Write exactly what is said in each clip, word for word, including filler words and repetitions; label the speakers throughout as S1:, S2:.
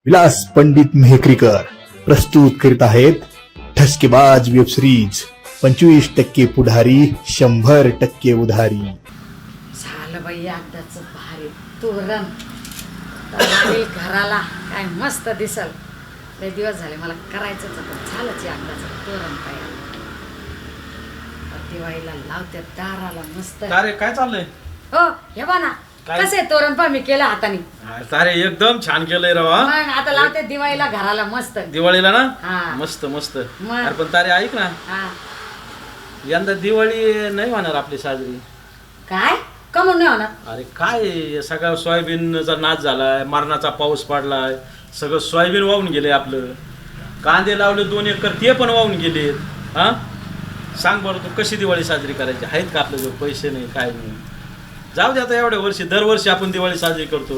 S1: विलास पंडित मेहकरीकर प्रस्तुत करीत आहेत ठसकेबाज वेब सिरीज पंचवीस टक्के पुढारी शंभर टक्के उधारी.
S2: झालं बाई एकदाच भारी तोरण लागेल घराला काय मस्त दिसल. लय दिवस झाले मला करायचंच होतं, झालंच एकदाच तोरण काय दिवाळीला लावते दाराला मस्त.
S3: अरे काय चाललंय?
S2: हो हे बघा ना
S3: काय?
S2: कसे तोरण पण मी केलं हाताने.
S3: अरे एकदम छान केलंय रवा.
S2: मग आता लावते दिवाळीला घराला मस्त.
S3: दिवाळीला ना
S2: हा.
S3: मस्त मस्त.
S2: मग.
S3: अरे पण तारे ऐक ना,
S2: हा
S3: यंदा दिवाळी नाही होणार आपली साजरी.
S2: काय कमून नाही होणार?
S3: अरे काय सगळा सोयाबीनचा नाच झालाय, मरणाचा पाऊस पडलाय, सगळं सोयाबीन वाहून गेले. आपलं कांदे लावले दोन एकर ते पण वाहून गेले. हा सांग बरं तू कशी दिवाळी साजरी करायची? आहेत का आपल्या जवळ पैसे? नाही काय नाही. जाऊ दे आता एवढ्या वर्षी दरवर्षी आपण दिवाळी साजरी करतो.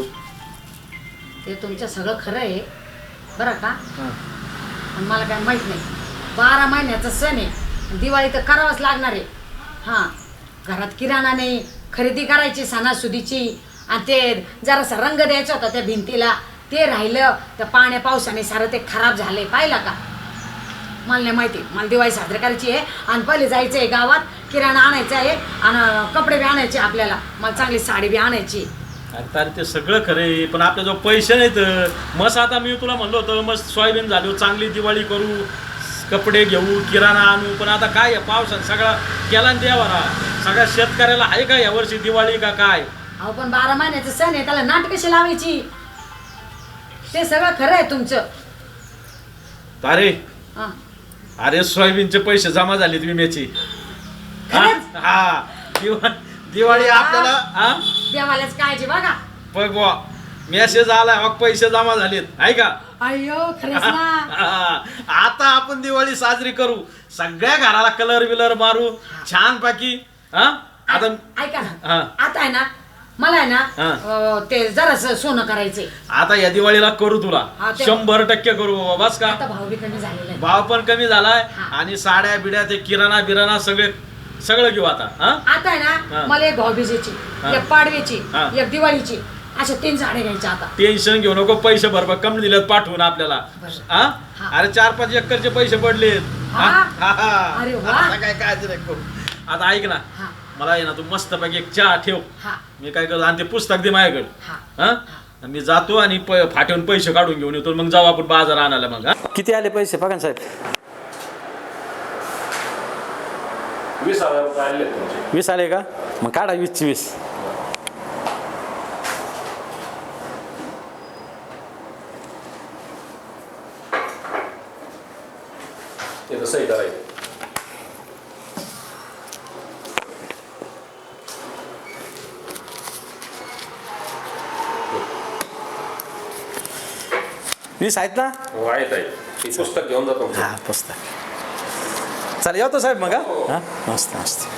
S2: ते तुमचं सगळं खरं आहे बरं का,
S3: हा.
S2: पण मला काय माहित नाही. बारा महिन्याचा सण आहे, दिवाळी तर करावंच लागणार आहे. हां घरात किराणा नाही, खरेदी करायची सणासुदीची, आणि ते जरासा रंग द्यायचा होता त्या भिंतीला, ते राहिलं. त्या पाण्या पावसाने सारं ते खराब झाले. पाहिलं का? मला नाही माहिती. मला दिवाळी साजरी करायची आहे आणि पहिले जायचं आहे गावात, किराणा आणायचा आहे आणि कपडे बी आणायचे आपल्याला. मला चांगली साडी बी आणायची.
S3: अरे तारे ते सगळं खरं आहे, पण आपल्याजवळ पैसे नाहीत. मस्त आता मी तुला म्हणलो होतं मस्त सोयाबीन झालो, चांगली दिवाळी करू, कपडे घेऊ, किराणा आणू. पण आता काय आहे, पावसात सगळा केला न देवारा. सगळ्या शेतकऱ्याला आहे का यावर्षी दिवाळी का काय?
S2: अहो पण बारा महिन्याचं सण आहे, त्याला नाट कशी लावायची? ते सगळं खरं आहे तुमचं.
S3: तारे
S2: हां
S3: अरे सोयाबीनचे पैसे जमा झालेत विम्याची. हा
S2: खरंच?
S3: हा. दिवा दिवाळी आपल्याला हा
S2: देवालाच काळजी बघा.
S3: बघ बुवा, मेसेज आलाय मग पैसे जमा झालेत आहे का?
S2: अय्यो खरंच ना.
S3: हा. आता आपण दिवाळी साजरी करू, सगळ्या घराला कलर बिलर मारू छान पैकी. हा आता
S2: ऐका
S3: हा.
S2: ना, आता आहे ना मला आहे ना
S3: हा.
S2: अं, ते जरासं सोनं करायचंय.
S3: आता या दिवाळीला करू तुला
S2: हा, ते-
S3: शंभर टक्के करू बाबा. बस का?
S2: आता भाव बी कमी झालेला आहे.
S3: भाव पण कमी झालाय
S2: हा.
S3: आणि साड्या बिड्या ते किराणा बिराणा सगळे सगळं घेऊ आता. हा
S2: आता आहे
S3: हा.
S2: ना मला एक भाऊबीजेची,
S3: हा.
S2: एक पाडव्याची,
S3: हा.
S2: एक दिवाळीची, अशा तीन साड्या घ्यायच्या आता.
S3: टेन्शन घेऊ नको, पैसे भरभर कमी दिलेत पाठवून आपल्याला.
S2: बरं.
S3: हा
S2: हा.
S3: अरे चार पाच एकरचे पैसे पडलेत.
S2: हा?
S3: हा, हा.
S2: अरे वा.
S3: आता काय काय नाही करू. आता ऐक ना,
S2: हा
S3: मला आहे ना तू मस्त पैकी एक चहा ठेव.
S2: हा
S3: मी काय करतो आणि ते पुस्तक दे माझ्याकडे.
S2: हा
S3: हा आणि मी जातो आणि प- फाट्यावरून पैसे काढून घेऊन येतो. मग जाऊ आपण बाजार आणायला. मग हा? किती आले पैसे बघा साहेब?
S4: वीस हजार रुपये आले तुमचे.
S3: वीस आले का? मग काढा वीसची वीस.
S4: ते तसंही करायचं.
S3: वीस आहेत ना?
S4: हो आहेत आहे. ते पुस्तक घेऊन जातो.
S3: हा पुस्तक. चालेल येतो साहेब मग. हा हा, मस्त मस्त.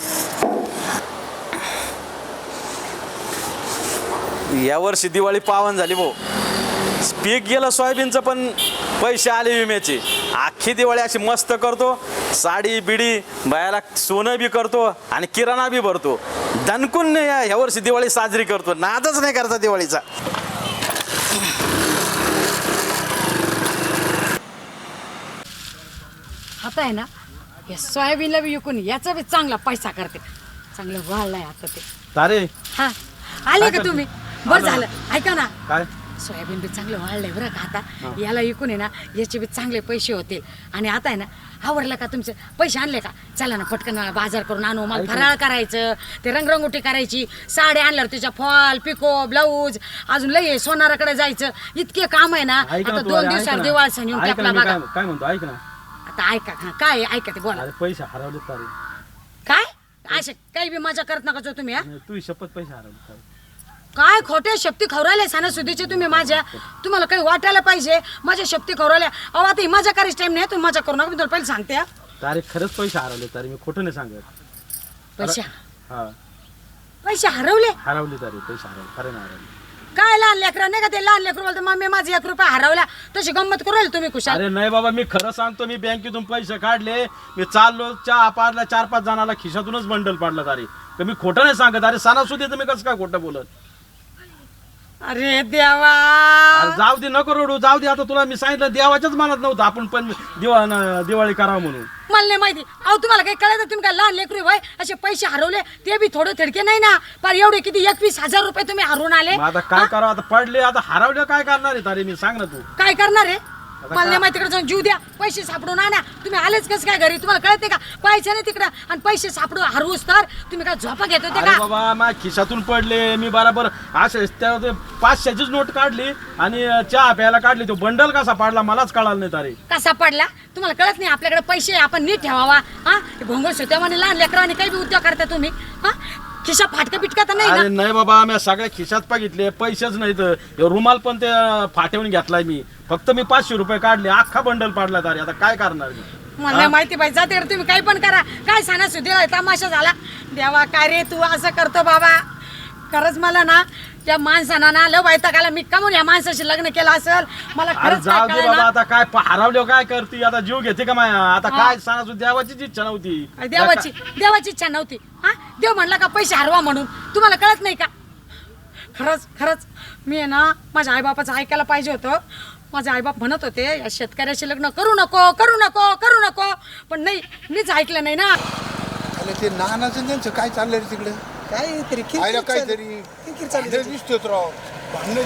S3: यावर्षी दिवाळी पावन झाली भाऊ. पीक गेलं सोयाबीनचं, पण पैसे आले विम्याचे. अख्खी दिवाळी अशी मस्त करतो, साडी बिडी बायाला सोनं बी करतो आणि किराणा बी भरतो. दणकून यावर्षी दिवाळी साजरी करतो, नादच नाही करता दिवाळीचा.
S2: आता आहे ना या सोयाबीनला बी विकून याचा बी चांगला पैसा करते. चांगलं वाढलाय आता ते.
S3: तारे
S2: हा आले
S3: काय
S2: का
S3: करते?
S2: तुम्ही? बरं झालं. ऐका ना,
S3: काय?
S2: सोयाबीन बी चांगलं वाढलंय बरं का. आता याला विकून आहे ना याचे बी चांगले पैसे होतील. आणि आता आहे ना आवडलं का तुमचे पैसे आणले का? चला ना पटकन बाजार करून आणू. मला फराळ करायचं, ते रंगरंगोटी करायची, साड्या आणल्यावर त्याच्या फॉल पिको ब्लाऊज, अजून लय सोनाराकडे जायचं. इतके काम आहे ना.
S3: ऐक ना
S2: आता
S3: तू,
S2: दोन
S3: अरे ऐक
S2: दिवसावर
S3: ना.
S2: दिवाळी सण येऊन
S3: ऐक ना,
S2: टाकला
S3: मी
S2: बघा.
S3: काय काय म्हणतो ऐक ना.
S2: आता ऐका हा, काय आहे? ऐका ते बोला.
S3: अरे पैसे हरवले तारे.
S2: काय असे काही बी मजा करत नका जो तुम्ही. हा?
S3: तू शपथ पैसे हरवले तारे.
S2: काय खोटे शक्ती खवरायले सणासुदीचे तुम्ही माझ्या. तुम्हाला काही वाटायला पाहिजे माझ्या शक्ती खवरायल्या. अहो आता ही मजा करायची टाइम नाही, तुम्ही मजा करू नका. मी तुला पहिले सांगते. हा.
S3: तारे खरंच पैसे हरवले तारे, मी खोटं नाही सांगत.
S2: पैसे
S3: हा
S2: पैसे हरवले?
S3: हरवले तारे, पैसे हरवले, खरं नाही हरवले.
S2: काय लहान लेकरा नाही का ते? लहान लेकरू बोलतो मम्मी माझे एक रुपया हरवला, तशी गंमत करू राहिले तुम्ही खुशाल.
S3: अरे नाही बाबा, मी खरं सांगतो. मी बँकेतून पैसे काढले, मी चाललो चहा पाडला, चार पाच जणाला खिशातूनच बंडल पाडलं तारे. तर मी खोटं नाही सांगत. अरे सणासुदी तर मी कसं काय खोटं बोलत?
S2: अरे देवा
S3: अरे जाऊ दे नको रडू जाऊ दे आता तुला मी सांगितलं देवाच्याच मनात नव्हतं आपण पण दिवा दिवाळी करावं म्हणून
S2: मला नाही माहिती अहो तुम्हाला काही कळत तुम्ही काय लहान लेकरू भाई असे पैसे हरवले ते बी थोडे थडके नाही ना पर एवढे किती एकवीस हजार रुपये तुम्ही हरवून आले
S3: मग आता काय करावं आता पडले आता हरवले काय करणार आहे तारे मी सांग ना तू
S2: काय करणार आहे मला नाही माहिती तिकडे जाऊन जीव द्या पैसे सापडून आणा तुम्ही आलेच कसं काय घरी तुम्हाला कळते का पैसे नाही तिकडं आणि पैसे सापडून हरवूस तर तुम्ही काय झोपा घेत होते
S3: अरे
S2: का
S3: बाबा माझ्या खिशातून पडले मी बराबर असे त्या ते पाचशेचीच नोट काढली आणि चहा प्यायला काढली तो बंडल कसा पाडला मलाच कळालं नाही तारे
S2: कसा पडला तुम्हाला कळत नाही आपल्याकडे पैसे आपण नीट ठेवावा हा घोंगळ सोत्यावाने लहान लेकरावाने काही बी उद्योग करता तुम्ही हा खिशा फाटका पिटका तर नाही
S3: अरे
S2: ना
S3: नाही बाबा मी सगळ्या खिशात बघितले पैसेच नाहीत हे रुमाल पण ते फाटवून घेतलाय मी फक्त मी पाचशे रुपये काढले अख्खा बंडल पाडला तारे आता काय करणार मी
S2: मला नाही माहिती पाहिजे जाते तुम्ही काही पण करा काय सांगा सुधीला तमाशा झाला देवा काय रे तू असं करतो बाबा खरंच मला ना त्या माणसानं ना लव वैताग आला मी का म्हणून या माणसाशी लग्न केलं असेल मला
S3: अरे
S2: खरंच
S3: जाऊ
S2: काय
S3: दे बाबा
S2: कळेना.
S3: आता काय हरवले काय करते आता जीव घेते का माया आता काय सांगा देवाचीच इच्छा नव्हती
S2: अरे देवाची देवाची इच्छा नव्हती हा देव म्हणला का पैसे हरवा म्हणून तुम्हाला कळत नाही का खरंच खरंच मी आहे ना माझ्या आईबापाचं ऐकायला पाहिजे होतं माझे आईबाप म्हणत होते या शेतकऱ्याशी लग्न करू नको करू नको करू नको पण नाही मीच ऐकलं नाही ना
S5: अरे ते नानाचं त्यांचं काय चाललंय रे तिकडे
S6: काहीतरी
S5: आयला काहीतरी
S6: किरकिर चालली
S5: भांडण दिसतोत राव भांडण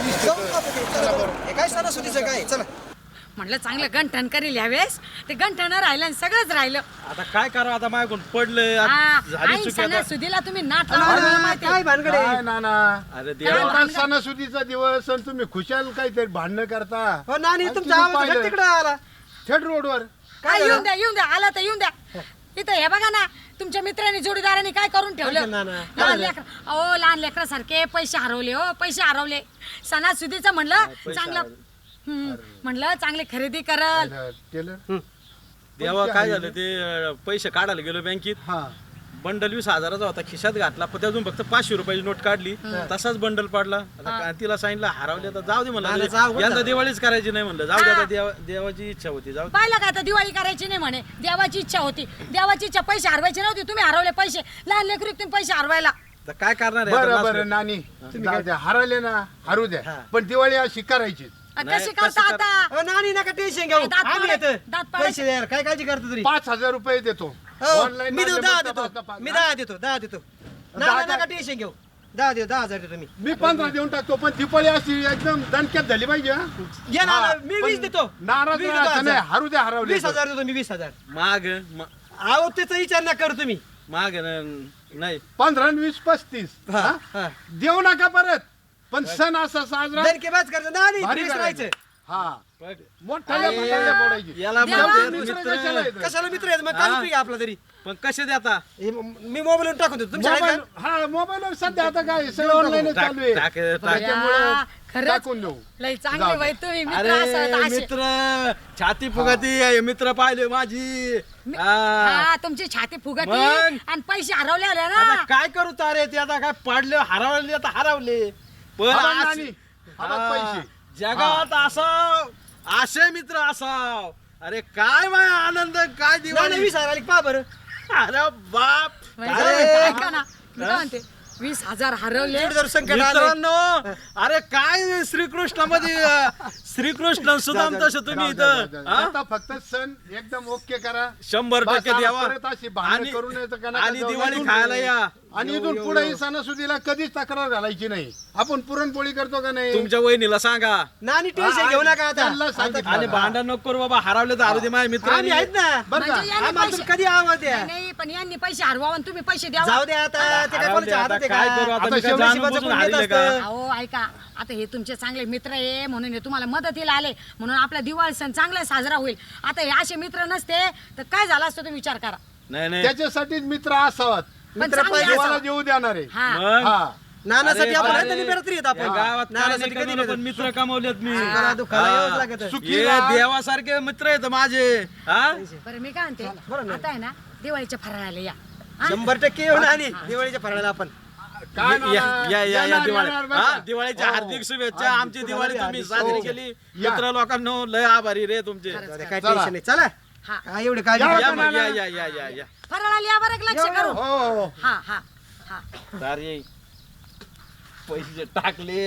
S5: दिसतोत
S6: काय सणासुदीचं काय चला
S2: म्हटलं चांगलं गंठण करील यावेळेस ते गंठण राहिलं आणि सगळंच राहिलं
S3: आता काय करावं आता माझ्याकडून पडलं
S2: हा,
S3: आता झाली
S2: आई
S3: चुकी आता
S2: सणासुदीला तुम्ही नाट लावलं मला माहिती
S6: काय भानगड
S5: काय
S6: आहे?
S5: नाना
S3: अरे देवा
S5: एवढा सणासुदीचा दिवस आणि तुम्ही खुशाल काहीतरी भांडणं करता
S6: हो नानी
S5: आणि
S6: तुमचा
S5: तुम्ही
S6: आवाज
S5: पाहिलं.
S6: तिकडे आला
S5: थेट रोडवर
S2: काय येऊन द्या येऊन द्या आला तर येऊन द्या इथं हे बघा ना तुमच्या मित्रांनी जोडीदारांनी काय करून ठेवलं
S6: काय केलं ना?
S2: लहान लेकर अहो लहान लेकरासारखे पैसे हरवले हो पैसे हरवले सणासुदीचं म्हणलं चांगलं हम्म, म्हणलं चांगली खरेदी करल
S5: टेलर
S3: देवा काय झालं ते अं, पैसे काढायला गेलो बँकेत
S5: हा
S3: बंडल वीस हजाराचा होता खिशात घातला पण त्यातून फक्त पाचशे रुपयाची नोट काढली तसाच बंडल पाडला आता काय तिला सांगितलं हरवले तर जाऊ दे
S6: नाना,
S3: म्हणलं
S6: जाऊ दे.
S3: यंदा दिवाळीच करायची नाही म्हणलं जाऊ दे आता देवा देवाची इच्छा होती जाऊ दे.
S2: पाहिलं का आता दिवाळी करायची नाही म्हणे देवाची इच्छा होती देवाची इच्छा पैसे हरवायचे नव्हते तुम्ही हरवले पैसे लहान लेकरू तुम्ही पैसे हरवायला
S3: तर काय करणार आहे आता
S5: बरं
S3: नाच-
S5: बरं नानी जाऊ द्या हरवले ना हरू द्या पण दिवाळी अशी करायची
S2: अ,
S3: नाही,
S2: कशी
S3: कशी
S2: करता
S3: कर-
S2: आता
S6: हो नानी नका टेन्शन घेऊ
S2: दात
S6: आम्ही
S2: पाडायचे-
S6: येतो
S2: दात पाडायचे.
S6: पैसे द्या काय काळजी करतो तरी
S5: पाच हजार रुपये देतो
S6: हो,
S5: Online
S6: मी देतो
S5: मारले
S6: दहा
S5: मग
S6: देतो
S5: तपास तपास.
S6: मी दहा देतो दहा देतो
S5: दहा
S6: नाना
S5: का?
S6: नका टेन्शन घेऊ दहा देतो दहा हजार देतो मी
S5: मी पंधरा देऊन टाकतो पण दिवाळी अशी एकदम दणक्यात झाली पाहिजे हा?
S6: घे ना
S5: हा,
S6: मी
S5: पण
S6: वीस देतो
S5: नाराज
S6: वीस
S5: राहायचं
S6: देतो
S5: नाही
S6: हजार.
S5: हरू द्या हरवले
S6: वीस
S5: तर.
S6: हजार देतो मी वीस हजार
S3: माग म-
S6: अहो त्याचा विचार ना करू तुम्ही
S3: माग न- नाही
S5: पंधरा आणि वीस पस्तीस
S6: हा,
S5: हा?
S6: हा.
S5: देऊ नका परत पण सण असा साजरा
S6: दणकेबाज करायचं नानी
S5: भारी
S6: फ्रेश
S5: करायचं.
S6: राहायचं
S5: हा
S3: पण
S5: मोठ्या पडायची
S3: याला
S2: देवा.
S3: म्हणतात
S5: मित्र
S3: मित्र
S5: कशाला येतं?
S6: कशाला मित्र आहेत मग
S3: हा.
S6: काय उपयोग आपला तरी
S3: पण कसे देता
S6: हे म- मी मोबाईलवर टाकून देतो तुमच्या
S5: मोबाईल
S6: आहेत
S5: हा मोबाईलवर सध्या आता काय सगळं ऑनलाईन
S3: टाक-
S5: चालू आहे
S3: टाक- टाक-
S5: त्याच्यामुळं
S2: या, खरंच
S5: टाकून देऊ
S2: लय चांगले
S5: जाऊ दे.
S2: बाई तुम्ही मित्र
S3: अरे
S2: असत असे
S3: मित्र छाती फुगती आहे, मित्र पाहिले माझी हा.
S2: हा तुमची छाती फुगती
S3: मग?
S2: आणि पैसे हरवले आले
S3: आता
S2: ना
S3: काय करू तारे ते आता काय पाडले हरवले आता हरवले पण
S5: हा,
S3: आज-
S5: नानी, हा बघ
S3: हा,
S5: पैसे.
S3: जगात असाव असे मित्र असाव अरे काय माय आनंद काय
S6: नाना
S3: दिवाळी
S6: वीस हजार आली पहा बरं
S3: अरे बाप
S2: म्हणजे
S3: अरे
S2: ऐका ना मी काय म्हणते वीस हजार हरवले
S6: एवढं जर संकट आलं
S3: मित्रांनो अरे काय श्रीकृष्णामध्ये अं, श्रीकृष्ण सुदाम तसे तुम्ही
S5: जाऊ द्या, जाऊ
S3: इथं
S5: द्या.
S3: हा?
S5: आता फक्त सण एकदम ओके करा
S3: शंभर
S5: बस
S3: टक्के
S5: आता
S3: द्यावा
S5: परत अशी भांडणं
S3: आणि
S5: करू नये तर का नका
S3: आणि
S5: जाऊ.
S3: दिवाळी
S5: इथून-
S3: खायला या
S5: आणि इथून पुढे सणासुदीला कधीच तक्रार घालायची नाही आपण पुरणपोळी करतो का नाही
S3: तुमच्या वहिनीला सांगा
S6: नानी टेन्शन घेऊ नका आता
S5: त्यांना सांगितलं.
S3: आणि भांडण नको करू बाबा हरवले तर हरवले माझे मित्र
S6: आम्ही आहेत ना
S5: बरं का
S2: म्हणजे यांनी
S6: आम्हाला
S2: पैसे-
S6: तुम्ही कधी आवाज द्या
S2: नाही, नाही पण यांनी पैसे हरवावं आणि तुम्ही पैसे द्यावा
S6: जाऊ द्या आता ते काय
S3: हरवले
S6: कोणाच्या
S3: आता
S6: हातात आहे
S3: काय करू
S6: का
S3: आता
S5: आता
S3: मी काय
S5: शेवटी
S3: जाणून
S6: शिवाचं
S3: बुजून
S6: कोण येत
S3: हरले का
S6: असतं?
S2: अहो ऐका आता हे तुमचे चांगले मित्र आहे म्हणून हे तुम्हाला मदतीला आले म्हणून आपला दिवाळी सण चांगला साजरा होईल आता हे असे मित्र नसते तर काय झालं असतं तुम्ही विचार करा
S3: नाही नाही
S5: त्याच्यासाठीच मित्र असावात
S2: पण
S6: मित्र
S2: चांगले
S6: पाहिजे
S5: जीवाला
S2: असावं.
S5: देऊ देणार आहे
S2: हा
S3: मग
S5: हा
S6: नानासाठी
S3: अरे,
S6: आपण
S3: अरे,
S6: आहेत ना निबेरात येत
S3: या
S6: आपण
S3: गावात काय
S6: नानासाठी
S3: नाही
S6: कधी
S3: कमवलं, पण
S6: नाही
S3: मित्र कमवलेत मी
S6: दुखाला दुखाला
S3: हा.
S6: यावंच लागत
S5: सुखी
S3: हे
S5: राहा.
S3: देवासारखे मित्र आहेत माझे हा
S2: बरं मी काय म्हणते आता आहे ना दिवाळीच्या फराळाला या हा?
S6: शंभर टक्के येऊ नानी दिवाळीच्या फराळाला आपण
S5: काय
S3: या
S5: नाना?
S3: या या या
S5: येणार,
S3: दिवाळी
S5: येणार बरं
S3: हा
S5: का?
S3: दिवाळीच्या
S5: हो.
S3: हार्दिक शुभेच्छा
S5: हार्दिक
S3: आमची दिवाळी तुम्ही
S6: हार्दिक
S3: साजरी
S5: हो.
S3: केली
S5: या.
S3: मित्र लोकांनो लय आभारी रे तुमचे
S6: जाऊ दे, काय
S5: चला.
S6: टेन्शन नाही चला
S2: हा.
S6: काय एवढे काळजी
S5: या,
S6: करू
S3: या
S6: नका.
S3: मग या या या या या
S2: फराळाला या बरं लक्ष करू
S5: हो हो
S2: हा हा हा
S3: अरे पैसे टाकलेत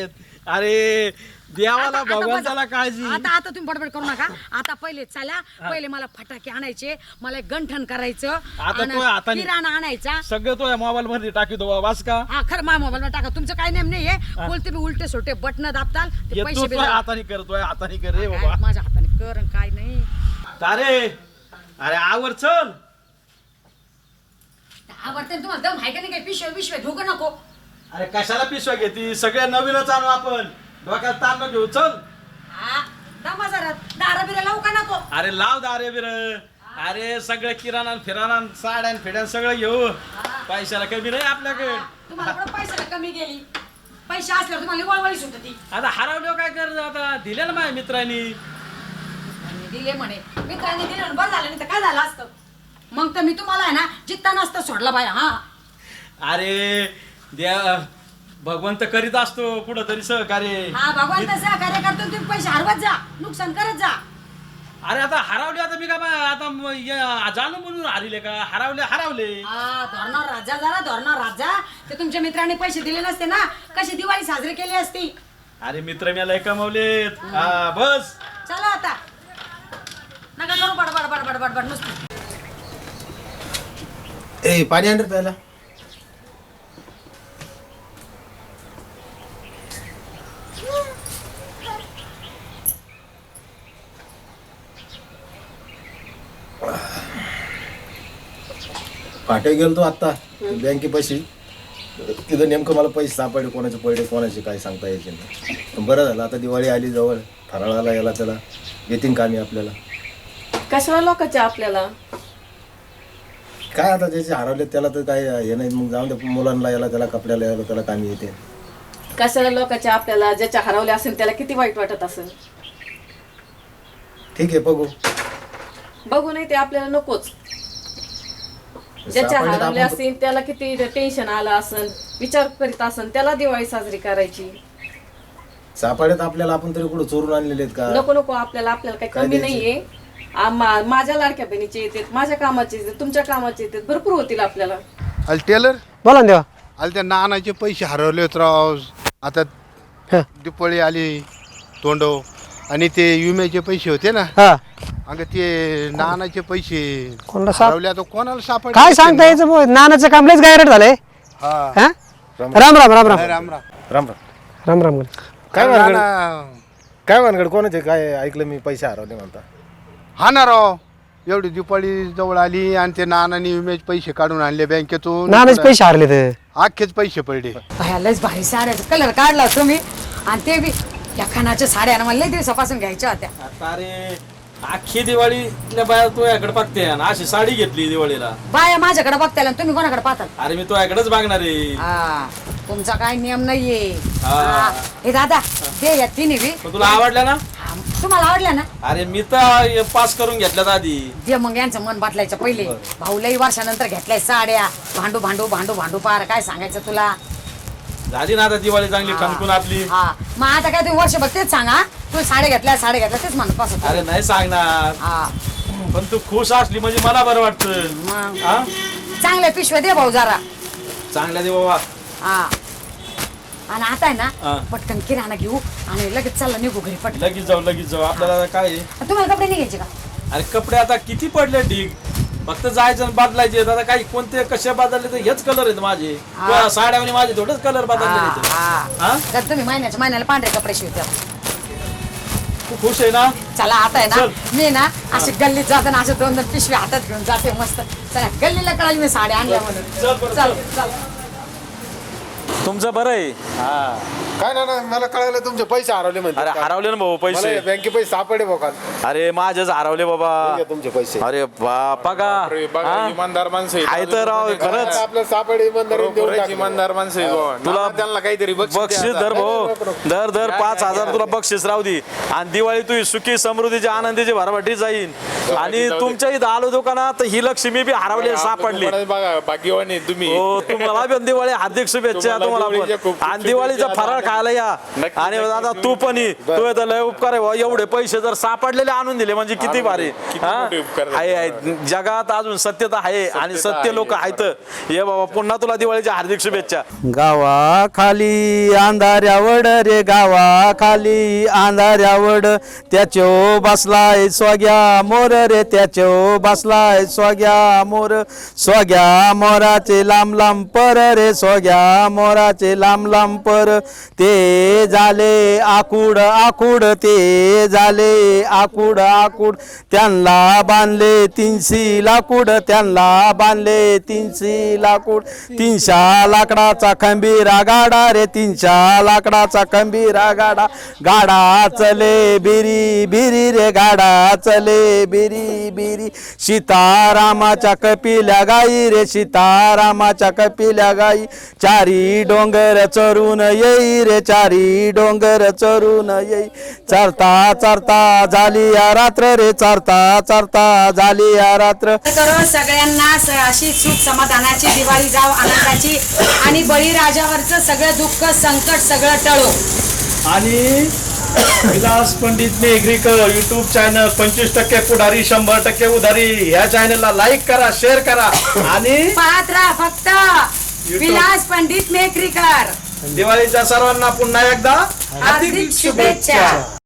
S3: अरे देवाला
S2: आता- आता
S3: भगवंताला
S2: बघा.
S3: काळजी.
S2: आता आता तुम्ही बडबड करू नका. आता पहिले चला, पहिले मला फटाके आणायचे, मला एक गंठण करायचं,
S3: आता
S2: आणि
S3: तो हाताने-
S2: किराणा आणायचा.
S3: सगळं तो मोबाईल मध्ये टाकीतो वाच का
S2: हा खरं माझ्या मोबाईल मध्ये टाका. तुमचं काही नेम नाहीये. बोलते मी उलटे सोटे बटन दाबताल ते
S3: येतो
S2: पैसे
S3: तो
S2: बिल-
S3: हाताने करतोय हाताने कर रे
S2: काय
S3: बाबा.
S2: माझ्या हाताने कर आणि काय नाही.
S3: अरे अरे आवर चल.
S2: आवडते ना तुम्हाला दम आहे का नाही? काही पिशव्या पिशव्या घेऊ का नको?
S3: अरे कशाला पिशव्या घेती सगळ्या नवीनच आणू आपण डोक्यात ताण नको घेऊ चल.
S2: हा दमा जरा दारा बिरा लावू का नको?
S3: अरे लाव दारे बिर. अरे सगळं किराणा फिराणा साड्या फिड्या सगळं घेऊ. पैशाला कमी नाही आपल्याकडे.
S2: तुम्हाला कुठं पैशाला कमी गेली? पैसे असल्यावर तुम्हाला वळवळी सुटती.
S3: आता हरवलं काय कर आता दिले ना माझ्या मित्रांनी.
S2: आणि दिले म्हणे मित्रांनी दिले म्हणून बरं झालं, नाही तर काय झालं असतं? मग तर मी तुम्हाला आहे ना जित्ता नसता सोडला बाया. हा
S3: अरे द्या भगवंत करीत असतो कुठं तरी सहकार्य.
S2: हा भगवान तसं कार्य करतो. तुम्ही पैसे हरवत जा, नुकसान करत जा.
S3: अरे आता हरवले आता मी का बा- आता म- य- जाणून म्हणून हरले का हरवले हरवले.
S2: हा धोरणावर राजा जरा धोरणावर राजा. ते तुमच्या मित्रांनी पैसे दिले नसते ना, कशी दिवाळी साजरी केली असती.
S3: अरे मित्र मी लय कमवलेत. हा बस.
S2: चला आता नका करू बडबड बडबड बडबड नुसती.
S6: ए पाणी आण रे प्यायला.
S7: फाटे गेलो आत्ता बँके पैसे तिथं नेमकं मला पैसे सापडले कोणाचे पडले कोणाचे काय सांगता यायचे नाही. पण बरं झालं आता दिवाळी आली जवळ फराळाला याला त्याला येतील कामी आपल्याला.
S8: कशाला लोकांच्या आपल्याला
S7: काय आता ज्याचे हरवले त्याला तर काय हे नाही मग जाऊन दे मुलांना याला त्याला कपड्याला याला त्याला कामी येते.
S8: कशाला लोकांच्या आपल्याला ज्याच्या हरवले असेल त्याला किती वाईट वाटत असेल.
S7: ठीक आहे बघू.
S8: बघू नाही ते आपल्याला नकोच. ज्याच्या
S7: सापडले तर
S8: हरवले
S7: आपण-
S8: असेल त्याला किती टेन्शन आलं असेल, विचार करीत असेल, त्याला दिवाळी साजरी करायची.
S7: सापडे तर आपल्याला आपण तरी कुठं चोरून आणलेले आहेत का.
S8: नको नको आपल्याला आपल्याला काही
S7: काय
S8: कमी
S7: द्यायचं?
S8: नाहीये. आम्हा- माझ्या लाडक्या बहिणीचे येतात, माझ्या कामाचे येतात, तुमच्या कामाचे येतात, भरपूर होतील आपल्याला.
S5: अल टेलर
S6: बोला ना देवा.
S5: अल त्या नानाचे पैसे हरवले होते राव. आता
S6: हा.
S5: दिपाळी आली तोंडव आणि ते विम्याचे पैसे होते ना.
S6: हा
S5: अगं ते नानाचे पैसे
S6: कोणाला साप-
S5: हरवले आता कोणाला सापड
S6: काय सांगता यायचं बुवा? नानाचं काम लयच गायरट झालंय.
S5: हा
S6: हा राम राम राम राम
S5: राम राम
S7: राम राम.
S6: राम राम.
S7: काय
S5: नाना-
S7: भानगड काय भानगड कोणाचे काय ऐकलं मी पैसे हरवले म्हणता.
S5: हा ना राव एवढी दिपाळी जवळ आली आणि ते नानाने विम्याचे पैसे काढून आणले बँकेतून.
S6: नानाचे पैसे हारले तर
S5: अख्खेच पैसे पडले.
S2: बाया लयच भारी साड्याचा कलर काढला तुम्ही. आणि ते बी या खानाच्या साड्या ना मला लय दिवसापासून घ्यायच्या होत्या.
S3: आता अरे अख्खी दिवाळीतल्या बाया तो याकडे बघते आणि अशी साडी घेतली दिवाळीला.
S2: बाया माझ्याकडे बघताय तुम्ही कोणाकडे पाहताल?
S3: अरे मी तो याकडेच बघणार आहे.
S2: हा तुमचा काय नियम नाहीये.
S3: हा.
S2: हा. हे दादा दे या तिन्ही बी.
S3: पण तुला आवडल्या ना.
S2: हा, तुम्हाला आवडल्या ना?
S3: अरे मी तर पास करून घेतल्यात आधी.
S2: दे मग यांचं मन बाटलायचं पहिले. भाऊ लई वर्षानंतर घेतलाय साड्या. भांडू भांडू भांडू भांडू पार काय सांगायचं तुला.
S3: झाली ना आता दिवाळी चांगली ठणकून आपली.
S2: हा मग आता काय तुम्ही वर्षभर तेच सांगा. तू साड्या घेतल्या साड्या घेतल्या तेच म्हणत बसत.
S3: अरे नाही सांगणार
S2: हा
S3: पण तू खुश असली म्हणजे मला बरं वाटतं.
S2: मग
S3: हा
S2: चांगल्या पिशव्या दे भाऊ जरा.
S3: चांगल्या दे बाबा.
S2: हा आणि आता आहे
S3: हा.
S2: ना पटकन किराणा घेऊ आणि लगेच चालला निघू घरी पटकन.
S3: लगेच जाऊ लगेच जाऊ आपल्याला काय आहे?
S2: तुम्हाला कपडे नाही घ्यायचे का?
S3: अरे कपडे आता किती पडले ढीग. फक्त जायचं आणि बदलायचे. आता काही कोणते कसे बदलले तर हेच कलर आहेत माझे.
S2: हा.
S3: किंवा साड्याने माझे थोडेच कलर बदलले
S2: हा,
S3: आहेत.
S2: हा.
S3: हा
S2: तर तुम्ही महिन्याच्या महिन्याला पांढरे कपडे शिवते.
S3: तू खुश आहे ना.
S2: चला आता आहे ना
S3: चल.
S2: मी ना अशी गल्लीत जाते ना असे दोन दोन पिशवी हातात घेऊन जाते मस्त. चला गल्लीला कळाली मी साड्या आणल्या म्हणून.
S3: चल बरं,
S2: चल चल.
S3: तुमचं बरं आहे.
S7: काय ना ना मला कळालं तुमचे पैसे हरवले म्हणते.
S3: अरे हरवले ना भाऊ पैसे.
S7: मला बँके पैसे सापडले बघा.
S3: अरे माझेच हरवले बाबा.
S7: तुमचे पैसे
S3: अरे बापा का हा?
S9: इमानदार माणसं आहेत.
S3: आहे तर राव खरंच.
S7: आपलं सापडे इमानदारीने देऊन
S9: खरंच
S7: टाकले.
S9: इमानदार माणसं आहेत बाबा.
S3: तुला
S9: नाना त्यांना काहीतरी
S3: बक्षीस धर भाऊ. दर दर पाच हजार तुला बक्षीस राहू दे आणि दिवाळी तुझी सुखी समृद्धीची आनंदीची भरभटी जाईन. आणि तुमच्या इथं आलो दुकानात तर ही लक्ष्मी बी हरवली सापडली.
S9: बघा भाग्यवानी तुम्ही.
S3: हो तुम्हाला पण दिवाळी हार्दिक शुभेच्छा तुम्हाला पण. आणि दिवाळीचा फराळ खायला या. आणि दादा तू पण ये. तू आता लय उपकार आहे भाऊ. एवढे पैसे जर सापडलेले आणून दिले म्हणजे किती भारी. आहे आहे. जगात अजून सत्यता आहे आणि सत्य लोक आहेत. ये बाबा पुन्हा तुला दिवाळीच्या हार्दिक शुभेच्छा.
S10: गावाखाली अंधाऱ्यावड रे गावाखाली अंधाऱ्यावड त्याच्यो बसलाय स्वाग्या मोर रे त्याच्यो बसलाय स्वाग्या मोर. स्वाग्या मोराचे लांब लांब पर रे स्वाग्या मोराचे लांब लांब पर. ते झाले आकुड आकुड ते झाले आकुड आकुड. त्यांना बांधले तीनशी लाकूड त्यांना बांधले तीनशी लाकूड. तीनशा लाकडाचा खंबीरा गाडा रे तीनशा लाकडाचा खंबीरा गाडा. गाडा चले बिरी बिरी रे गाडा चले बिरी बिरी. सीतारामाच्या कपिल्या गाई रे सीतारामाच्या कपिल्या गाई. चारी डोंगर चरून येई रे चारी डोंगर चरून येई. चरता चरता झाली या रात्र रे चरता चरता झाली या रात्र.
S2: करो सगळ्यांना स- अशी सुख समाधानाची दिवाळी जाव आनंदाची आणि बळीराजावरचं सगळं दुःख संकट सगळं टळो.
S3: आणि विलास पंडित मेघरीकर युट्यूब चॅनल पंचवीस टक्के पुढारी शंभर टक्के उधारी या चॅनलला लाईक करा शेअर करा आणि
S2: पाहत राहा फक्त विलास पंडित मेखरीकर.
S3: दिवाळीच्या सर्वांना पुन्हा एकदा
S2: हार्दिक शुभेच्छा.